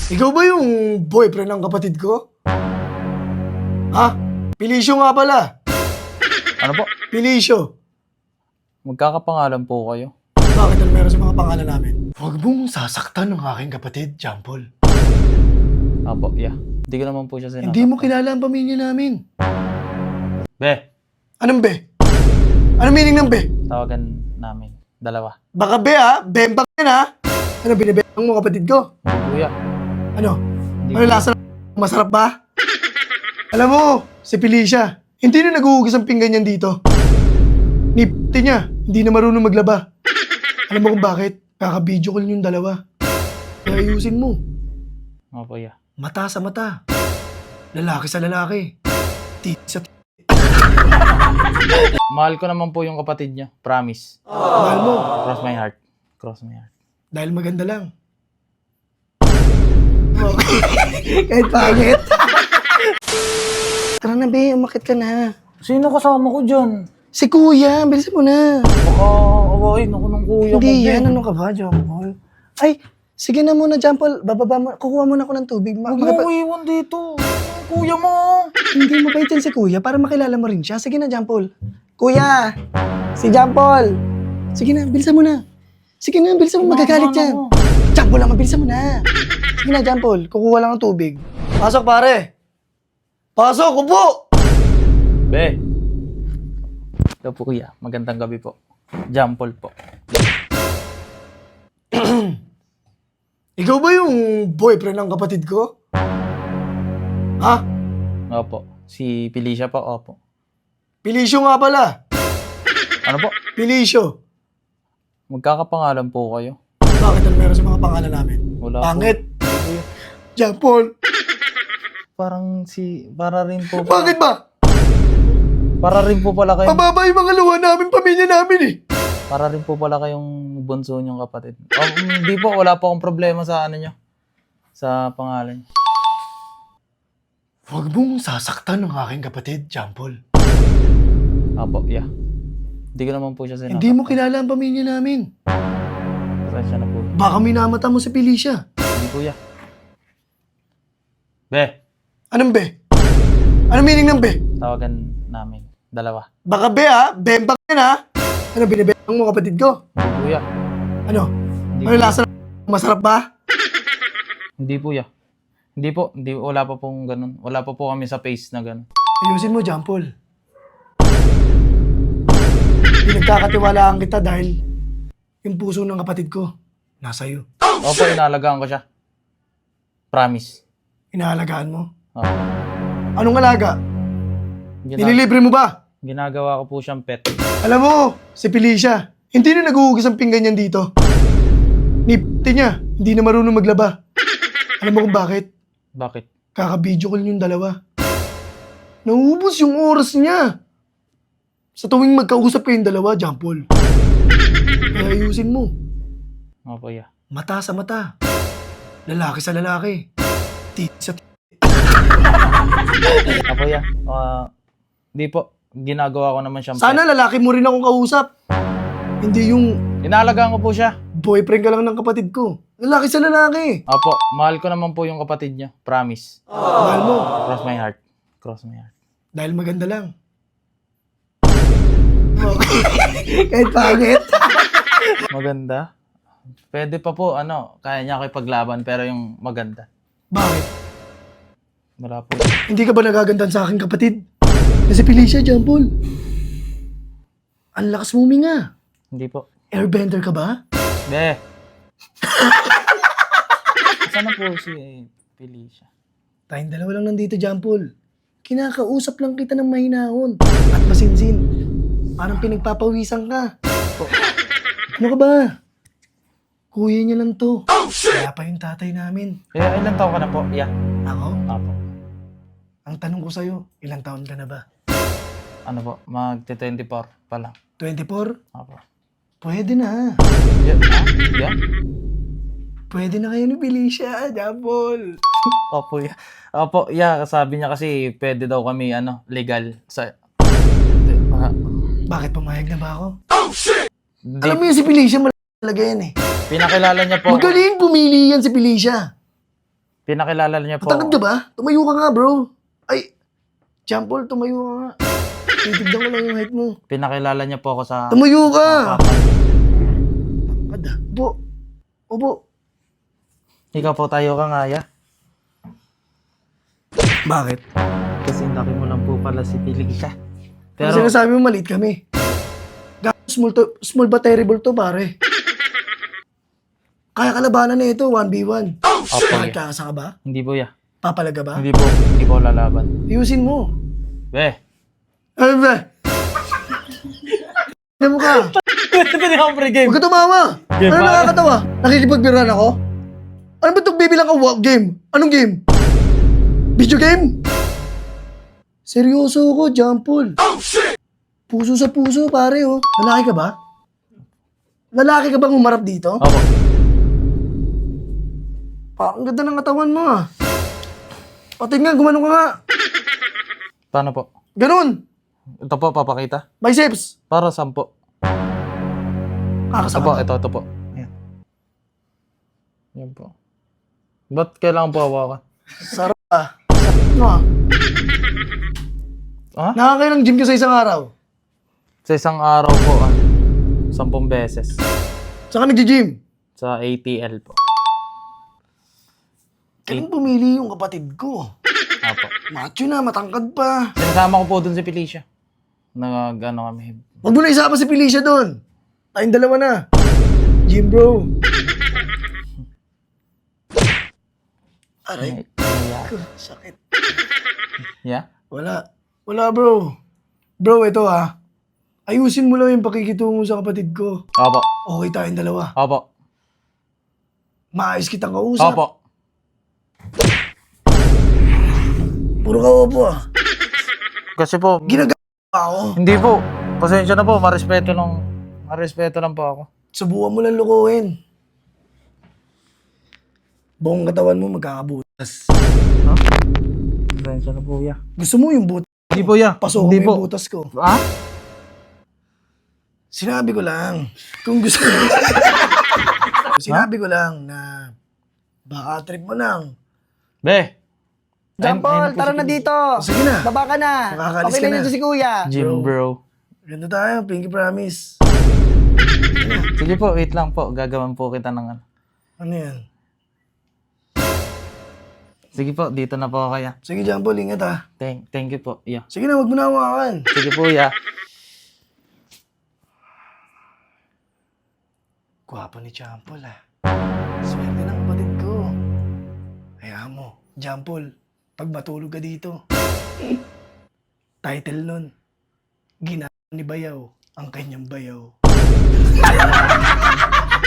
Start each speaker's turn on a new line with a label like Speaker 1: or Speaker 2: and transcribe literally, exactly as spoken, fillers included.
Speaker 1: Ikaw ba yung boyfriend ng kapatid ko? Ha? Pilisyo nga pala.
Speaker 2: Ano po?
Speaker 1: Pilisyo.
Speaker 2: Magkakapangalan po kayo.
Speaker 1: Bakit ang meron sa mga pangalan namin? Huwag mong sasaktan ng aking kapatid, John Paul.
Speaker 2: Apo, yeah. Hindi ko naman po siya sinasaktan.
Speaker 1: Hindi mo kilala ang pamilya namin.
Speaker 2: Be,
Speaker 1: Anong be? Anong meaning ng be?
Speaker 2: tawagan namin. Dalawa.
Speaker 1: Baka be ha? Bembang yan ha? Ano binibembang mo kapatid ko?
Speaker 2: Hindi kuya.
Speaker 1: Ano?
Speaker 2: Hindi
Speaker 1: Ano
Speaker 2: kuya.
Speaker 1: lasa ng masarap ba? Alam mo, si Felicia, hindi na naghuhugas ang pinggan niyan dito. Ni p***te niya, hindi na marunong maglaba. Alam mo kung bakit? Kaka-video call yung dalawa. Kaya ayusin mo.
Speaker 2: Apo, yeah.
Speaker 1: Mata sa mata. Lalaki sa lalaki. Titi sa titi.
Speaker 2: Mahal ko naman po yung kapatid niya. Promise.
Speaker 1: Mahal mo.
Speaker 2: Cross my heart. Cross my heart.
Speaker 1: Dahil maganda lang. Okay. Kahit pangit. Tara na, be. Umakit ka na.
Speaker 2: Sino kasama ko dyan?
Speaker 1: Si kuya, bilisan mo na.
Speaker 2: Baka awain ako ng kuya ko.
Speaker 1: Hindi
Speaker 2: Ben.
Speaker 1: yan. Ano ka ba, John Paul? Ay, sige na muna, John Paul. Bababa mo. Kukuha muna ako ng tubig. Ma-
Speaker 2: Huwag mo
Speaker 1: makipa-
Speaker 2: ko iwan dito. Yung kuya mo.
Speaker 1: Hindi mo ba yan si kuya para makilala mo rin siya? Sige na, John Paul. Kuya! Si John Paul! Sige na, bilisan mo na. Sige na, bilisan mo. Magagalit
Speaker 2: Mama,
Speaker 1: yan.
Speaker 2: ano?
Speaker 1: John Paul lang, bilisan mo na. Sige na, John Paul. Kukuha lang ng tubig. Pasok, pare. Pasok, upo!
Speaker 2: Be. Ito po kuya. Magandang gabi po. Jampol po.
Speaker 1: Ikaw ba yung boyfriend ng kapatid ko? Ha?
Speaker 2: Opo. Si Felicia po. Opo.
Speaker 1: Pilisyo nga pala.
Speaker 2: Ano po?
Speaker 1: Pilisyo.
Speaker 2: Magkakapangalan po kayo.
Speaker 1: Bakit ang meron sa mga pangalan namin?
Speaker 2: Wala
Speaker 1: Pangit.
Speaker 2: po. Hindi, kuya.
Speaker 1: John Paul.
Speaker 2: Parang si... Para rin po...
Speaker 1: Bakit ba?
Speaker 2: Para rin po pala kayong...
Speaker 1: Pababa yung mga luha namin, pamilya namin eh.
Speaker 2: Para rin po pala kayong bunso niyong kapatid. Oh, hindi po. Wala po akong problema sa ano niyo. Sa pangalan niyo.
Speaker 1: Huwag mong sasaktan ng aking kapatid, John Paul.
Speaker 2: Opo, yeah. Hindi ko naman po siya sinasaktan.
Speaker 1: Hindi mo kilala ang pamilya namin.
Speaker 2: Pasensya na po.
Speaker 1: Baka minamata mo si Felicia.
Speaker 2: Hindi kuya. Be,
Speaker 1: Anong be? Anong meaning ng be?
Speaker 2: tawagan namin. Dalawa.
Speaker 1: Baka be ha? Bembang yan ha? Ano binibembang mo kapatid ko?
Speaker 2: Hindi kuya.
Speaker 1: Ano?
Speaker 2: Hindi
Speaker 1: Ano
Speaker 2: kuya.
Speaker 1: lasa ng masarap ba?
Speaker 2: Hindi po ya. Hindi po, hindi wala pa pong ganun. Wala pa po kami sa pace na ganun.
Speaker 1: Ayusin mo, John Paul. Pinagkakatiwalaan kita dahil yung puso ng kapatid ko nasa iyo.
Speaker 2: Opo, inaalagaan ko siya. Promise.
Speaker 1: Inaalagaan mo.
Speaker 2: Opo.
Speaker 1: Anong alaga?
Speaker 2: Gina-
Speaker 1: Nililibre mo ba?
Speaker 2: ginagawa ko po siyang pet.
Speaker 1: Alam mo, si Felicia, hindi na naghuhugas ang pinggan niyan dito. Ni p***te niya, hindi na marunong maglaba. Alam mo kung bakit?
Speaker 2: Bakit?
Speaker 1: Kaka-video call yung dalawa. Nauubos yung oras niya. Sa tuwing magkausap kayong dalawa, John Paul. Kaya ayusin mo.
Speaker 2: Opo, ya.
Speaker 1: Mata sa mata. Lalaki sa lalaki. Titi sa titi.
Speaker 2: Opo, ya. Ah, di po. Ginagawa ko naman siyang
Speaker 1: Sana
Speaker 2: pet.
Speaker 1: lalaki mo rin akong kausap. Hindi yung
Speaker 2: Inaalagaan ko po siya.
Speaker 1: boyfriend ka lang ng kapatid ko. Lalaki sa lalaki.
Speaker 2: Opo, mahal ko naman po yung kapatid niya. Promise.
Speaker 1: Mahal mo.
Speaker 2: Cross my heart. Cross my heart.
Speaker 1: Dahil maganda lang. Okay. Kahit pangit.
Speaker 2: Maganda? Pwede pa po, ano, kaya niya ako ipaglaban, pero yung maganda.
Speaker 1: Bakit?
Speaker 2: Wala po.
Speaker 1: Hindi ka ba nagagandahan sa aking kapatid? Kasi Felicia, John Paul. Ang lakas mo huminga.
Speaker 2: Hindi po.
Speaker 1: Airbender ka ba?
Speaker 2: Be! Sana po si Felicia?
Speaker 1: Tayong dalawa lang nandito, John Paul. Kinakausap lang kita ng mahinahon. At masinsin. Parang pinagpapawisan ka. Ano ka ba? Kuya niya lang to. Kaya pa yung tatay namin.
Speaker 2: Kaya ilang taon ka na po? Yeah.
Speaker 1: Ako?
Speaker 2: Apo.
Speaker 1: Ang tanong ko sa'yo, ilang taon ka na ba?
Speaker 2: Ano po? Mag-twenty-four pa lang.
Speaker 1: twenty-four?
Speaker 2: Apo.
Speaker 1: Pwede na.
Speaker 2: Yeah? Ah? Yeah?
Speaker 1: Pwede na kayo ni Felicia, John Paul.
Speaker 2: Opo, yeah. Opo, yeah. Sabi niya kasi pwede daw kami, ano, legal sa... Ah,
Speaker 1: Bakit pumayag na ba ako?
Speaker 2: di,
Speaker 1: Alam mo yun si Felicia, malaga yan eh.
Speaker 2: pinakilala niya po.
Speaker 1: Magaling pumili yan si Felicia.
Speaker 2: Pinakilala niya po.
Speaker 1: Matangkad ka ba? Tumayo ka nga, bro. Ay, Jampol, tumayo ka nga. Titignan ko lang yung height mo.
Speaker 2: Pinakilala niya po ako sa...
Speaker 1: Tumayo ka!
Speaker 2: sa papa niya.
Speaker 1: Tangkad ah. Upo. Upo.
Speaker 2: Ikaw po tayo ka nga, ya.
Speaker 1: Bakit?
Speaker 2: Kasi laki mo lang po pala si Felicia.
Speaker 1: Pero
Speaker 2: Pero,
Speaker 1: sinasabi mo maliit kami. Gago, small, to, small ba terrible to, pare? Kaya kalabanan na ito, one v one.
Speaker 2: Opo,
Speaker 1: Bakit
Speaker 2: ya.
Speaker 1: kakasa ka ba?
Speaker 2: Hindi po, ya.
Speaker 1: Papalaga ba?
Speaker 2: Hindi po, hindi po lalaban.
Speaker 1: Ayusin mo.
Speaker 2: Be.
Speaker 1: Ano ba? Ano mo ka?
Speaker 2: Ito na ako pre-game.
Speaker 1: Huwag ka tumawa.
Speaker 2: Game
Speaker 1: Ano
Speaker 2: ba?
Speaker 1: nakakatawa? Nakikipagbiran ako? Ano ba itong bibilang ka wa- game? Anong game? Video game? Seryoso ko, Jampol. Puso sa puso, pare, oh. Lalaki ka ba? Lalaki ka bang umarap dito?
Speaker 2: Opo.
Speaker 1: Pa, ang ganda ng katawan mo, ah. Pati nga, gumanong ka nga.
Speaker 2: Paano po?
Speaker 1: Ganun.
Speaker 2: Ito po, papakita.
Speaker 1: Biceps.
Speaker 2: Para sampo. Ito
Speaker 1: Kakasama.
Speaker 2: po, ito, ito po. Ayan. Yan po. Ba't kailangan po hawakan?
Speaker 1: Sarap, ah. Sarap mo, ah.
Speaker 2: Ha?
Speaker 1: Nakakailang gym ka sa isang araw.
Speaker 2: Sa isang araw po, ano, sampung beses.
Speaker 1: Saan ka nag-gym?
Speaker 2: Sa A T L po.
Speaker 1: Kailan pumili yung kapatid ko?
Speaker 2: Apo.
Speaker 1: Macho na, matangkad pa.
Speaker 2: Sinasama ko po dun si Felicia. Nag, ano kami.
Speaker 1: Huwag mo na isama si Felicia doon. Tayong dalawa na. Gym bro. Aray,
Speaker 2: Yeah.
Speaker 1: ko, sakit.
Speaker 2: Yeah?
Speaker 1: Wala. Wala bro. Bro, ito ah. Ayusin mo lang yung pakikitungo sa kapatid ko.
Speaker 2: Opo.
Speaker 1: Okay tayong dalawa.
Speaker 2: Opo.
Speaker 1: Maayos kitang kausap.
Speaker 2: Opo.
Speaker 1: Puro ka opo ah.
Speaker 2: Kasi po,
Speaker 1: Ginagawa ako.
Speaker 2: hindi po. Pasensya na po, marespeto lang. Marespeto lang po ako.
Speaker 1: Subukan mo lang lukuhin. Buong katawan mo magkakabutas.
Speaker 2: Ha? Pasensya na po, ya.
Speaker 1: Gusto mo yung butas?
Speaker 2: Hindi po, ya.
Speaker 1: Pasok mo
Speaker 2: Hindi po.
Speaker 1: yung butas ko.
Speaker 2: Ha?
Speaker 1: Sinabi ko lang, kung gusto Sinabi ko lang na baka trip mo lang.
Speaker 2: Be.
Speaker 3: John
Speaker 2: Ayun- ayun
Speaker 3: Paul,
Speaker 2: po
Speaker 3: tara
Speaker 2: si
Speaker 3: na
Speaker 2: Felicia.
Speaker 3: dito.
Speaker 1: Sige na.
Speaker 3: Baba ka na.
Speaker 1: Makakaalis
Speaker 3: Okay
Speaker 1: ka
Speaker 3: na
Speaker 1: na.
Speaker 3: dito si Kuya.
Speaker 2: Gym bro.
Speaker 1: Ganda tayo, pinky promise.
Speaker 2: Sige po, wait lang po. Gagawan po kita ng ano.
Speaker 1: Ano yan?
Speaker 2: Sige po, dito na po kaya.
Speaker 1: Sige, John Paul, ingat ha.
Speaker 2: Thank, thank you po. Yeah.
Speaker 1: Sige na, wag mo na hawakan.
Speaker 2: Sige po, ya.
Speaker 1: Gwapo ni John Paul ha. Swerte ng kapatid ko. Hayaan mo, John Paul, pag matulog ka dito, title nun, Ginaan ni Bayaw ang kanyang bayaw.